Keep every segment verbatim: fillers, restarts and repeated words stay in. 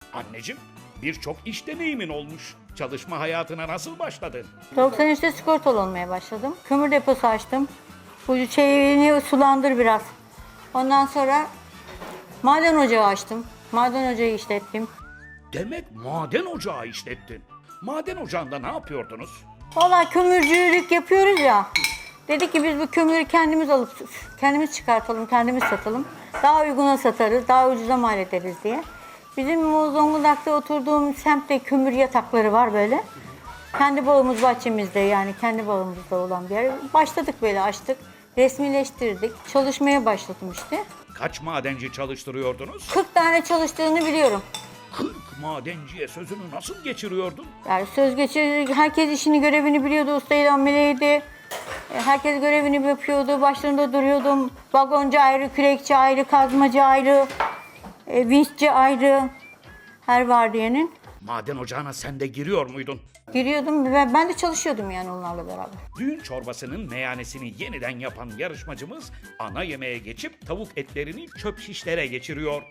Anneciğim, birçok iş deneyimin olmuş. Çalışma hayatına nasıl başladın? doksan üçte sigortalı olmaya başladım. Kömür deposu açtım. Bu şeyini sulandır biraz. Ondan sonra maden ocağı açtım. Maden ocağı işlettim. Demek maden ocağı işlettin. Maden ocağında ne yapıyordunuz? Vallahi kömürcülük yapıyoruz ya. Dedik ki biz bu kömürü kendimiz alıp kendimiz çıkartalım, kendimiz satalım. Daha uyguna satarız, daha ucuza mal ederiz diye. Bizim o Zonguldak'ta oturduğum semtte kömür yatakları var böyle. Kendi bağımız bahçemizde, yani kendi bağımızda olan bir yer. Başladık böyle, açtık, resmileştirdik. Çalışmaya başladım işte. Kaç madenci çalıştırıyordunuz? kırk tane çalıştığını biliyorum. kırk madenciye sözünü nasıl geçiriyordun? Yani söz geçirdik, herkes işini görevini biliyordu, ustaydı, ameleydi. E, Herkes görevini yapıyordu, başlarında duruyordum. Vagoncu ayrı, kürekçi ayrı, kazmacı ayrı, e, vinççi ayrı. Her vardiyenin. Maden ocağına sen de giriyor muydun? Giriyordum ve ben de çalışıyordum yani onlarla beraber. Düğün çorbasının meyanesini yeniden yapan yarışmacımız ana yemeğe geçip tavuk etlerini çöp şişlere geçiriyor.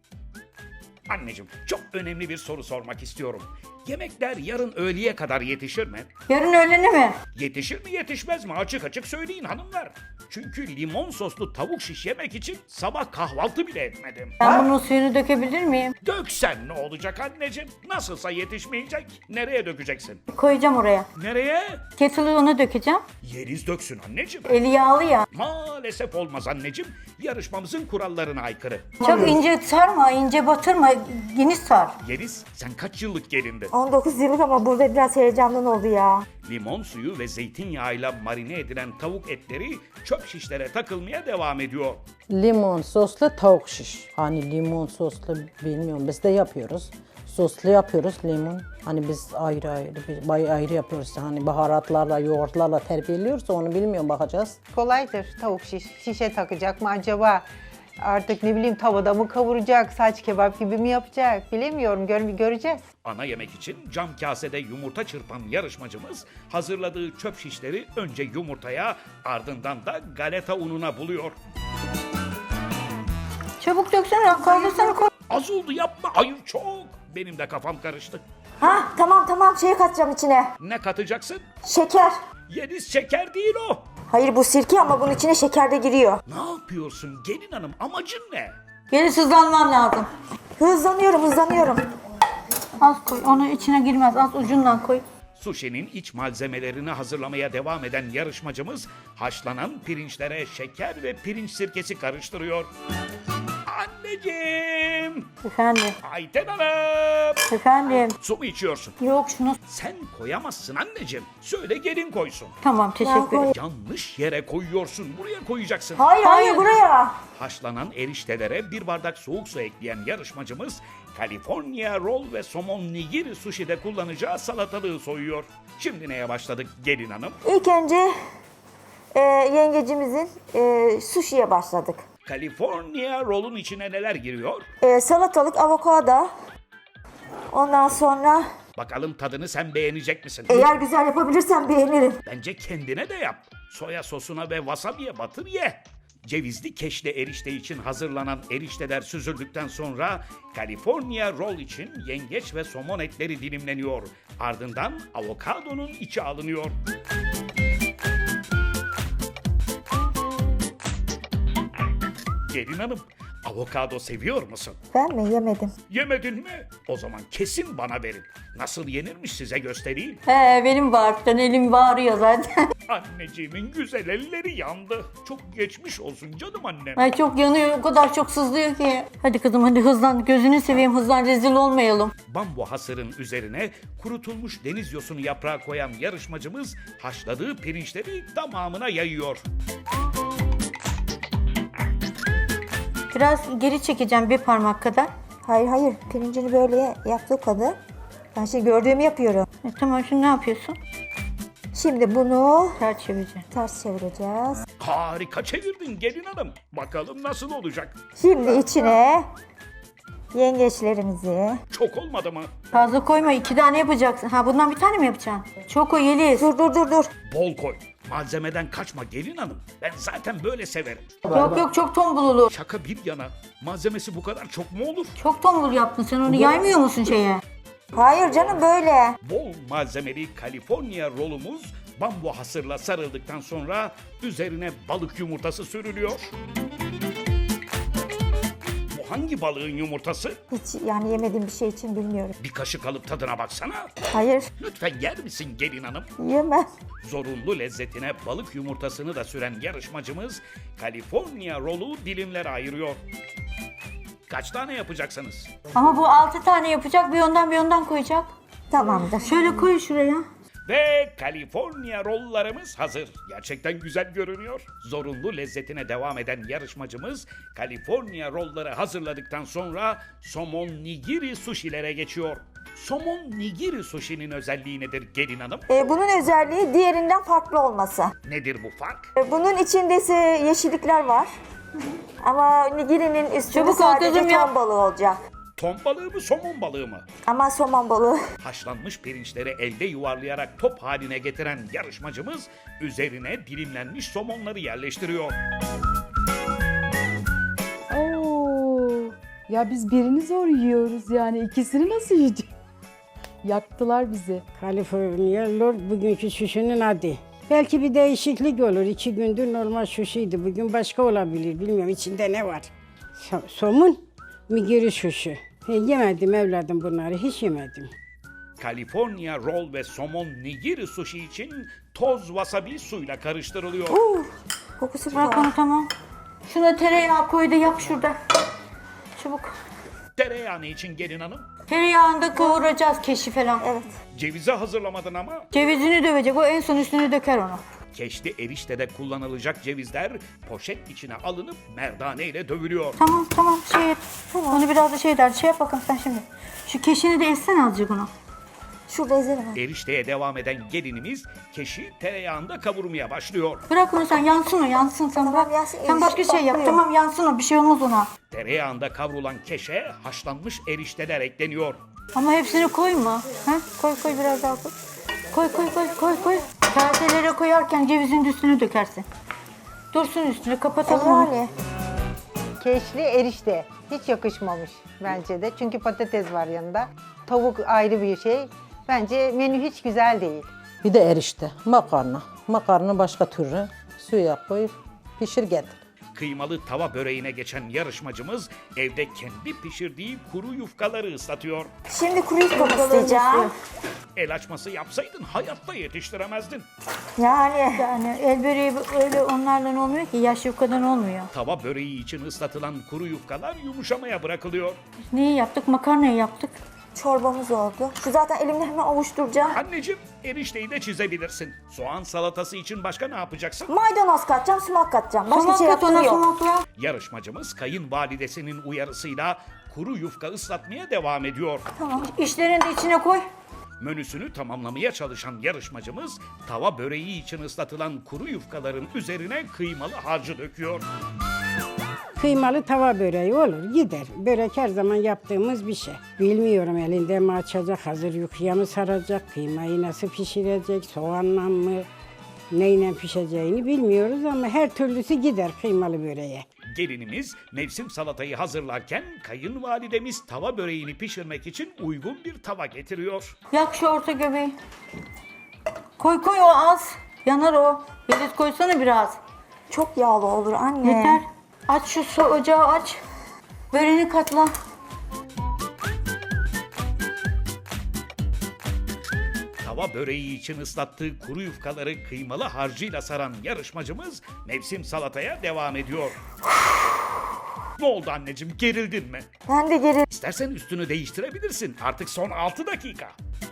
Anneciğim, çok önemli bir soru sormak istiyorum. Yemekler yarın öğleye kadar yetişir mi? Yarın öğlene mi? Yetişir mi yetişmez mi? Açık açık söyleyin hanımlar. Çünkü limon soslu tavuk şiş yemek için sabah kahvaltı bile etmedim. Ben bunun suyunu dökebilir miyim? Döksen ne olacak anneciğim? Nasılsa yetişmeyecek. Nereye dökeceksin? Koyacağım oraya. Nereye? Kettle'ı ona dökeceğim. Yeriz döksün anneciğim. Eli yağlı ya. Maalesef olmaz anneciğim. Yarışmamızın kurallarına aykırı. Çok ince sarma, ince batırma, geniş sar. Yeriz, sen kaç yıllık gelindin? on dokuz yıllık ama burada biraz heyecandan oldu ya. Limon suyu ve zeytinyağıyla marine edilen tavuk etleri çöp şişlere takılmaya devam ediyor. Limon soslu tavuk şiş. Hani limon soslu bilmiyorum biz de yapıyoruz. Soslu yapıyoruz limon. Hani biz ayrı ayrı, bir- bay ayrı yapıyoruz. Hani baharatlarla, yoğurtlarla terbiyeliyoruz. Onu bilmiyorum, bakacağız. Kolaydır tavuk şiş. Şişe takacak mı acaba? Artık ne bileyim tavada mı kavuracak, saç kebap gibi mi yapacak? Bilemiyorum, gör göreceğiz. Ana yemek için cam kasede yumurta çırpan yarışmacımız hazırladığı çöp şişleri önce yumurtaya ardından da galeta ununa buluyor. Çabuk döksene, kaldırsana koy. Az oldu yapma, hayır çok. Benim de kafam karıştı. Ha tamam tamam şeye katacağım içine. Ne katacaksın? Şeker. Yeriz şeker değil o. Hayır bu sirke ama bunun içine şeker de giriyor. Ne yapıyorsun gelin hanım, amacın ne? Geri sızlanman lazım. Hızlanıyorum hızlanıyorum. Az koy, onu içine girmez, az ucundan koy. Sushi'nin iç malzemelerini hazırlamaya devam eden yarışmacımız haşlanan pirinçlere şeker ve pirinç sirkesi karıştırıyor. Anneciğim! Efendim, Ayten Hanım! efendim. Su mu içiyorsun? Yok şunu. Sen koyamazsın anneciğim. Söyle gelin koysun. Tamam, teşekkür ederim. Yanlış yere koyuyorsun. Buraya koyacaksın. Hayır hayır buraya. Haşlanan eriştelere bir bardak soğuk su ekleyen yarışmacımız California roll ve somon nigiri sushi'de kullanacağı salatalığı soyuyor. Şimdi neye başladık gelin hanım? İlk önce e, yengecimizin e, sushi'ye başladık. California roll'un içine neler giriyor? E, salatalık, avokado. Ondan sonra Bakalım tadını sen beğenecek misin? eğer güzel yapabilirsem beğenirim. Bence kendine de yap. Soya sosuna ve wasabiye batır ye. Cevizli keşle erişte için hazırlanan erişteler süzüldükten sonra California roll için yengeç ve somon etleri dilimleniyor. Ardından avokadonun içi alınıyor. Gelin hanım, avokado seviyor musun? Ben mi yemedim? Yemedin mi? O zaman kesin bana verin. Nasıl yenirmiş size göstereyim. He, benim bağırtıdan elim bağırıyor zaten. Anneciğimin güzel elleri yandı. Çok geçmiş olsun canım annem. Ay çok yanıyor, o kadar çok sızlıyor ki. Hadi kızım hadi hızlan, gözünü seveyim, hızlan, rezil olmayalım. Bambu hasırın üzerine kurutulmuş deniz yosunu yaprağı koyan yarışmacımız haşladığı pirinçleri tamamına yayıyor. Biraz geri çekeceğim bir parmak kadar. Hayır hayır pirincini böyle yaptığı kadar. Ben şimdi gördüğümü yapıyorum. E, tamam, şimdi ne yapıyorsun? Şimdi bunu Ters çevireceğim. ters çevireceğiz. Harika çevirdin gelin hanım. Bakalım nasıl olacak? Şimdi içine yengeçlerimizi. Çok olmadı mı? Fazla koyma, iki tane yapacaksın. Ha, bundan bir tane mi yapacaksın? Çok o Yeliz. Dur dur dur dur. Bol koy. Malzemeden kaçma gelin hanım. Ben zaten böyle severim. Yok yok çok tombul olur. Şaka bir yana. Malzemesi bu kadar çok mu olur? Çok tombul yaptın sen onu yaymıyor musun şeye? Hayır canım böyle. Bol malzemeli California rolumuz bambu hasırla sarıldıktan sonra üzerine balık yumurtası sürülüyor. Bu hangi balığın yumurtası? Hiç yani yemediğim bir şey için bilmiyorum. Bir kaşık alıp tadına baksana. Hayır, Lütfen yer misin gelin hanım? yemem. Zorunlu lezzetine balık yumurtasını da süren yarışmacımız California rolü dilimlere ayırıyor. Kaç tane yapacaksınız? Ama bu altı tane yapacak bir ondan bir ondan koyacak. Tamamdır. Şöyle koy şuraya. Ve California rollarımız hazır. Gerçekten güzel görünüyor. Zorunlu lezzetine devam eden yarışmacımız California rolları hazırladıktan sonra somon nigiri sushilere geçiyor. Somon nigiri sushi'nin özelliği nedir gelin hanım? Ee, bunun özelliği diğerinden farklı olması. Nedir bu fark? Ee, bunun içinde ise yeşillikler var. Ama nigirinin üstünde Çabuk ol sadece kızım ya. ton balığı olacak. Ton balığı mı somon balığı mı? Ama somon balığı. Haşlanmış pirinçleri elde yuvarlayarak top haline getiren yarışmacımız üzerine dilimlenmiş somonları yerleştiriyor. Oo, ya biz birini zor yiyoruz yani ikisini nasıl yiyeceğiz? Yaktılar bizi. California Roll bugünkü şuşunun adı. Belki bir değişiklik olur. İki gündür normal şuşuydu. Bugün başka olabilir. Bilmiyorum içinde ne var. So- somun, migiri şuşu. He, yemedim evladım bunları. Hiç yemedim. California roll ve somon nigiri sushi için toz wasabi suyla karıştırılıyor. Kokusu Bırak falan. onu tamam. Şuna tereyağı koy da yak şurada. Çabuk. Tereyağını için gelin hanım. Tereyağında kavuracağız keşi falan. Evet. Cevizi hazırlamadın ama. Cevizini dövecek o en son üstüne döker onu. Keşli eriştede kullanılacak cevizler poşet içine alınıp merdane ile dövülüyor. Tamam tamam şey et. Onu biraz da şey der. Şey yap bakalım sen şimdi. Şu keşini de essene azıcık onu. Şurada ezerim var. Erişteye devam eden gelinimiz keşi tereyağında kavurmaya başlıyor. Bırak onu sen yansın o yansın sen bırak. yansın, Sen başka erişte şey yap patlıyor. tamam yansın o bir şey olmaz ona. Tereyağında kavrulan keşe haşlanmış erişteler ekleniyor. Ama hepsini koyma. Ha? Koy koy biraz daha koy. Koy koy koy koy koy. Kaselere koyarken cevizin de üstüne dökersin. Dursun üstüne kapatalım onu. Yani. Keşli erişte. Hiç yakışmamış bence de. Çünkü patates var yanında. Tavuk ayrı bir şey. Bence menü hiç güzel değil. Bir de erişte, makarna. Makarna başka türlü suya koyup pişir getir. Kıymalı tava böreğine geçen yarışmacımız evde kendi pişirdiği kuru yufkaları ıslatıyor. Şimdi kuru yufka ıslayacağım. El açması yapsaydın hayatta yetiştiremezdin. Yani. Yani el böreği öyle onlardan olmuyor ki yaş yufkadan olmuyor. Tava böreği için ıslatılan kuru yufkalar yumuşamaya bırakılıyor. Neyi yaptık? Makarnayı yaptık. Çorbamız oldu. Şu zaten elimle hemen avuşturacağım. Anneciğim erişteyi de çizebilirsin. Soğan salatası için başka ne yapacaksın? Maydanoz katacağım, sumak katacağım. Başka Sumak şey kat ona yaptığım yok. sumakla. Yarışmacımız kayınvalidesinin uyarısıyla kuru yufka ıslatmaya devam ediyor. İşlerini de içine koy. Menüsünü tamamlamaya çalışan yarışmacımız tava böreği için ıslatılan kuru yufkaların üzerine kıymalı harcı döküyor. Kıymalı tava böreği olur, gider. Börek her zaman yaptığımız bir şey. Bilmiyorum elinde mi açacak, hazır yufkaya mı saracak, kıymayı nasıl pişirecek, soğanla mı, neyle pişeceğini bilmiyoruz ama her türlüsü gider kıymalı böreğe. Gelinimiz mevsim salatayı hazırlarken kayınvalidemiz tava böreğini pişirmek için uygun bir tava getiriyor. Yak şu orta göbeği. Koy koy o az. Yanar o. Yeliz koysana biraz. Çok yağlı olur anne. Yeter. Aç şu su ocağı aç. Böreğini katla. Tava böreği için ıslattığı kuru yufkaları kıymalı harcıyla saran yarışmacımız mevsim salataya devam ediyor. Ne oldu anneciğim, gerildin mi? Ben de geri. İstersen üstünü değiştirebilirsin. Artık son altı dakika.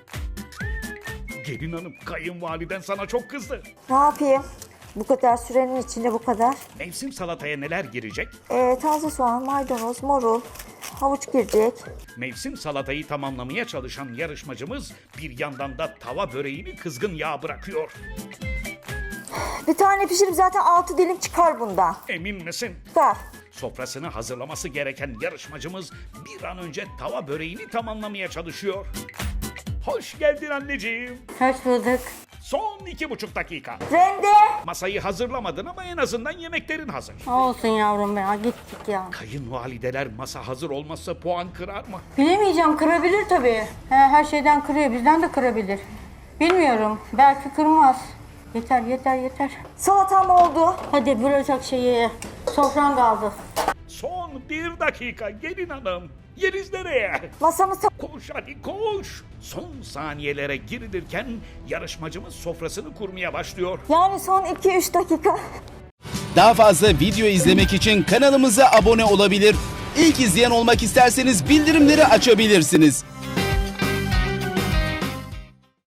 Gelin hanım, kayınvaliden sana çok kızdı. Ne yapayım? Bu kadar sürenin içinde bu kadar. Mevsim salataya neler girecek? Ee, taze soğan, maydanoz, marul, havuç girecek. Mevsim salatayı tamamlamaya çalışan yarışmacımız bir yandan da tava böreğini kızgın yağ bırakıyor. Bir tane pişirip zaten altı dilim çıkar bundan. Emin misin? Çıkar. Sofrasını hazırlaması gereken yarışmacımız bir an önce tava böreğini tamamlamaya çalışıyor. Hoş geldin anneciğim. Hoş bulduk. Son iki buçuk dakika. Rende. Masayı hazırlamadın ama en azından yemeklerin hazır. Olsun yavrum ya, gittik ya. Kayınvalideler masa hazır olmazsa puan kırar mı? Bilemeyeceğim, kırabilir tabii. He, her şeyden kırıyor, bizden de kırabilir. Bilmiyorum, belki kırmaz. Yeter, yeter, yeter. Salatam oldu. Hadi bırakacak şeyi. Sofran kaldı. Son bir dakika gelin hanım. Yeriz nereye? Masamız Koş hadi koş. Son saniyelere girilirken yarışmacımız sofrasını kurmaya başlıyor. yani son iki üç dakika. Daha fazla video izlemek için kanalımıza abone olabilir. İlk izleyen olmak isterseniz bildirimleri açabilirsiniz.